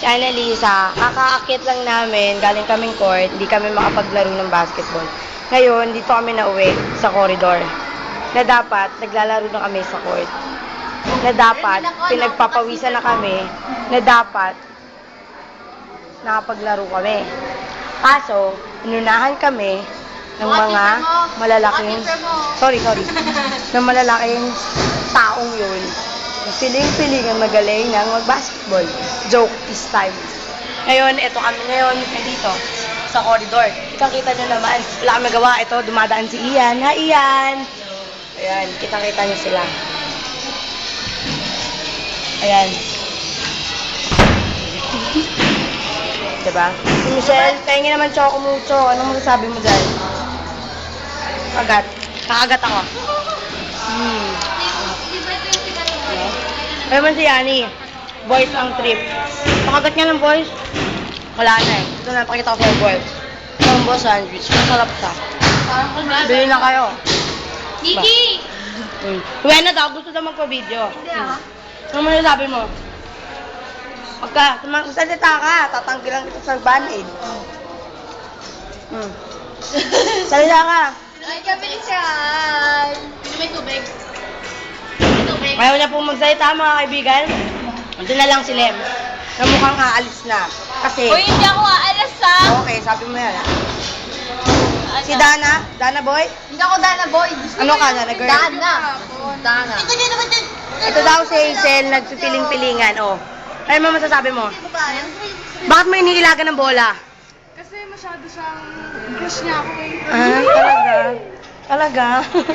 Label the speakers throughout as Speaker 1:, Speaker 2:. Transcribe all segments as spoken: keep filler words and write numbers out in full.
Speaker 1: Si Annalisa, kakaakit lang namin, galing kaming court, hindi kami makapaglaro ng basketball. Ngayon, dito kami nauwi sa corridor. Na dapat, naglalaro na kami sa court. Na dapat, pinagpapawisan na kami. Na dapat, nakapaglaro kami. Kaso, inunahan kami ng mga malalaking, sorry, sorry, ng malalaking taong yun. Piling-piling ang magaling ng mag-basketball. Joke this time. Ngayon, eto kami ngayon, dito, sa corridor. Kitang-kita nyo naman. Wala kami magawa. Ito, dumadaan si Ian. Hi, Ian! Ayan, kitang-kita nyo sila. Ayan. Diba? Si Michelle, pahingi naman choco mucho. Anong masasabi mo dyan? Kagat. Kakagat ako. Hmm. Ano man si Yani? Boys ang trip. Pakagat niya ng boys? Wala na eh. Ito na, pakita ko sa'yo boys. Combo sandwich. Masarap siya. Bili na kayo.
Speaker 2: Niki!
Speaker 1: Hmm. Uwe na daw. Gusto daw magpa-video.
Speaker 2: Hindi ah.
Speaker 1: Ano mo sabi mo? Pagka, magsalita ka, tatanggilan kita sa band-aid. Hmm. Salita ka.
Speaker 2: Ay, kabilisan! Pino may tubig? May tubig?
Speaker 1: Ayaw na pong magsalita mga kaibigan. Ito na lang si Lem. Na mukhang aalis na. Kasi,
Speaker 2: Uy, hindi ako aalas ah!
Speaker 1: okay, sabi mo yan ha. Si Dana? Dana boy?
Speaker 2: Hindi ako Dana boy.
Speaker 1: Ano ka, Dana girl?
Speaker 2: Dana. Dana. Ikaw din naman din.
Speaker 1: Ito daw si Hazel, nagpipiling-pilingan. Oh. Ano mo masasabi mo? Bakit mo iniilaga ng bola?
Speaker 3: Kasi masyado siyang crush niya ako eh.
Speaker 1: Ah, talaga? Talaga?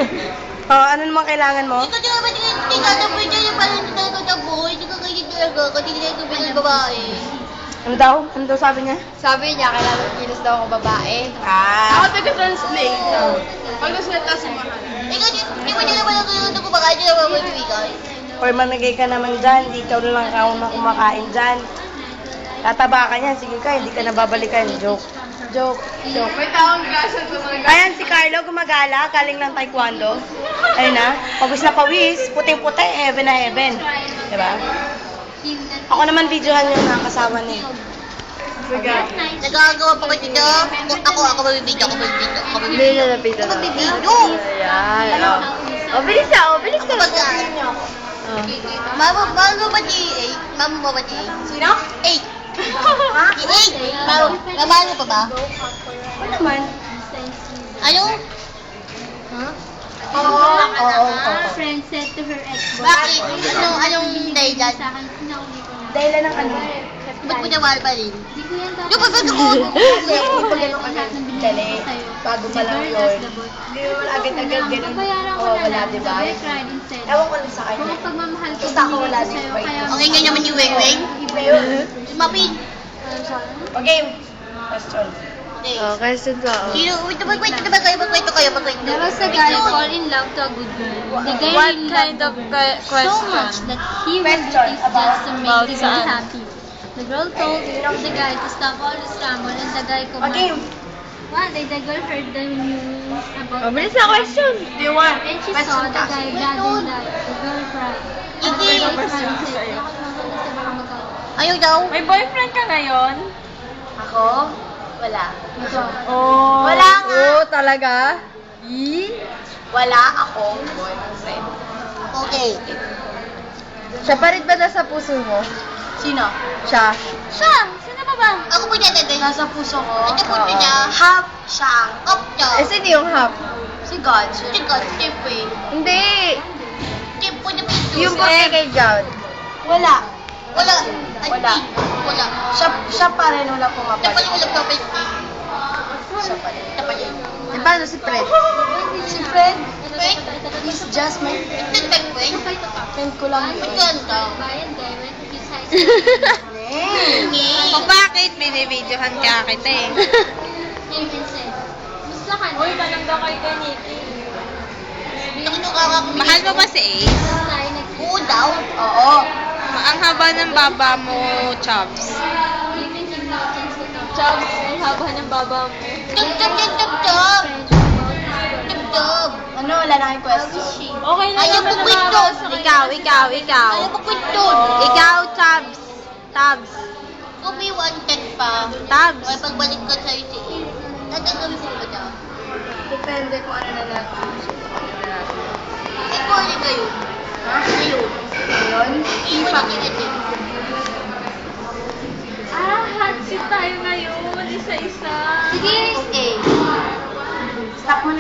Speaker 1: Oh, ano naman kailangan mo?
Speaker 2: Ikaw din naman din. Hindi ka na boy dyan. Yung parang hindi talaga na boy. Hindi ka kayo talaga. Kasi hindi ka bilang babae.
Speaker 1: Ano daw? Ano daw sabi niya?
Speaker 2: Sabi niya, kailangan kilos daw ako babae.
Speaker 1: Ah.
Speaker 3: Ako taga-translate. Pag nasalita si Mahal.
Speaker 2: Ikaw din, hindi mo din naman ako yung kumakain. Hindi naman ako ibigay.
Speaker 1: Or mamigay ka naman dyan, di ikaw na lang ako na kumakain dyan. Tataba ka niyan, sige ka, hindi ka nababalikan. Joke. Joke. Joke.
Speaker 3: May taong grasya sa mga
Speaker 1: Ayan, si Carlo gumagala, galing ng taekwondo. Ayun na, pawis na pawis, puting-puti, heaven na heaven. Diba? Ako naman videohan yung nakakasama niya.
Speaker 3: Sige.
Speaker 2: Nagagawa pa kayo dito. Ako, ako magbibidyo, ako magbibidyo, ako magbibidyo.
Speaker 1: Hindi na napita
Speaker 2: Ako magbibidyo.
Speaker 1: Ayan, oh. Oh, bilis na, oh, bilis
Speaker 2: Ako
Speaker 1: na.
Speaker 2: mag-aaral.
Speaker 1: Oh.
Speaker 2: Mama, mama ba di eight? Mama mo ba di eight?
Speaker 3: Sino?
Speaker 2: Eight. Ha? Eight. Mama, mama pa ba?
Speaker 1: Ano naman?
Speaker 2: Ano? Huh?
Speaker 1: Oo, oo, oo.
Speaker 4: Friend said to her ex-boyfriend.
Speaker 2: Bakit? Anong, anong dahilan?
Speaker 4: Sa akin, sinauli ko na.
Speaker 1: Dahilan ng ano?
Speaker 2: Ba't mo niya mahal pa rin?
Speaker 4: Hindi ko yan dapat.
Speaker 2: Yung pagkakakot!
Speaker 1: Kasi hindi pa ganun agad dali. Bago pa lang yun. Hindi mo wala agad-agad ganun.
Speaker 4: Bayaran ko
Speaker 1: Oo,
Speaker 4: na
Speaker 1: wala,
Speaker 4: lang.
Speaker 1: diba?
Speaker 4: Sabi, cried instead.
Speaker 1: Ewan ko lang sa
Speaker 4: Kung
Speaker 1: kanya.
Speaker 4: ang pagmamahal ko,
Speaker 1: Basta ako wala
Speaker 4: binigay ko
Speaker 1: din
Speaker 4: sa'yo,
Speaker 1: ba
Speaker 4: kaya
Speaker 1: yun?
Speaker 2: Okay nga naman yung weng-weng.
Speaker 1: Iba yun.
Speaker 2: Mapin.
Speaker 1: Okay. Question.
Speaker 2: Okay.
Speaker 1: question ka.
Speaker 2: Sino? Wait, wait, wait, wait, kayo, magkwento kayo, magkwento.
Speaker 4: There was a guy fall in love to a good girl. The guy
Speaker 5: What
Speaker 4: really
Speaker 5: kind
Speaker 4: loved
Speaker 5: of
Speaker 4: the girl
Speaker 5: que- question?
Speaker 4: so much that he would do
Speaker 1: Question
Speaker 4: things just to make
Speaker 5: about
Speaker 4: the girl
Speaker 5: saan?
Speaker 4: happy. The girl told the guy to stop all the scramble and the guy
Speaker 1: Okay.
Speaker 4: commanded. One day, the girl heard the news about
Speaker 5: Oh, bilis na question.
Speaker 3: Do you want?
Speaker 4: and she saw the guy gathering that the girl cried. And the
Speaker 2: Hindi.
Speaker 4: girl cried and said, "Bakit mo ba gusto mo mag-away?"
Speaker 2: Ayaw daw.
Speaker 5: May boyfriend ka ngayon?
Speaker 1: Ako? Wala.
Speaker 5: Oh.
Speaker 1: Wala nga.
Speaker 5: Oh, talaga?
Speaker 1: Wala akong boyfriend.
Speaker 2: Okay.
Speaker 5: Siya pa rin ba nasa puso mo?
Speaker 1: Sino?
Speaker 5: Siya.
Speaker 4: Siya! Sino pa ba?
Speaker 2: Ako po niya tagay.
Speaker 1: Nasa puso ko.
Speaker 2: Ito po niya.
Speaker 1: Half siya.
Speaker 2: Up niya.
Speaker 5: Eh, sino yung half?
Speaker 1: Si God.
Speaker 2: Tika, tip eh.
Speaker 5: Hindi.
Speaker 2: Tip po niya pito.
Speaker 5: Yung puti kay God.
Speaker 1: Wala.
Speaker 2: Wala. Ay,
Speaker 1: Wala.
Speaker 2: Wala.
Speaker 1: Siya, siya pa rin wala
Speaker 2: Siya pa
Speaker 1: pumapalit.
Speaker 2: yung ulam kapit.
Speaker 1: Siya pa rin.
Speaker 2: Siya pa yun.
Speaker 5: Eh, paano si Fred?
Speaker 1: Si Fred,
Speaker 2: Wait.
Speaker 1: he's just my
Speaker 2: Ito ba yung wait?
Speaker 1: friend ko lang yun.
Speaker 2: Magkanta.
Speaker 4: Bayan guy went to his high school.
Speaker 5: O bakit? Binibidyohan ka kita eh.
Speaker 4: And said, "Musta ka na?"
Speaker 5: Uy, malangga kay ka, Nikki.
Speaker 2: Nakinukakak.
Speaker 5: Mahal mo ba si Ace?
Speaker 4: Tayo nag-
Speaker 2: Oo daw.
Speaker 1: Oo.
Speaker 5: Ang haba ng baba mo, Chubbs.
Speaker 4: Even him nonsense to talk.
Speaker 5: Chubbs, ang haba ng baba mo.
Speaker 2: Tip, tip, tip, tip, tip. Tip, tip.
Speaker 1: Ano, wala na kayong question?
Speaker 5: Okay lang
Speaker 2: Ayaw
Speaker 5: naman
Speaker 2: mo
Speaker 5: na
Speaker 2: kwento.
Speaker 5: makakasa kayo. Ikaw, ikaw, ikaw.
Speaker 2: Ayaw mo kwento.
Speaker 5: Ikaw, Chubbs. Chubbs.
Speaker 2: Kung may wanted pa,
Speaker 5: Tabs.
Speaker 2: or pagbalik ko sa'yo si A, tatagawin mo ba daw?
Speaker 1: Depende kung ano na natin.
Speaker 2: Eh, kung ano kayo? Ha? Ngayon.
Speaker 1: Ngayon,
Speaker 2: Iwan
Speaker 1: ipa.
Speaker 2: niya din.
Speaker 5: Ah, hot seat tayo ngayon. Isa-isa.
Speaker 2: Sige, A.
Speaker 1: Stop mo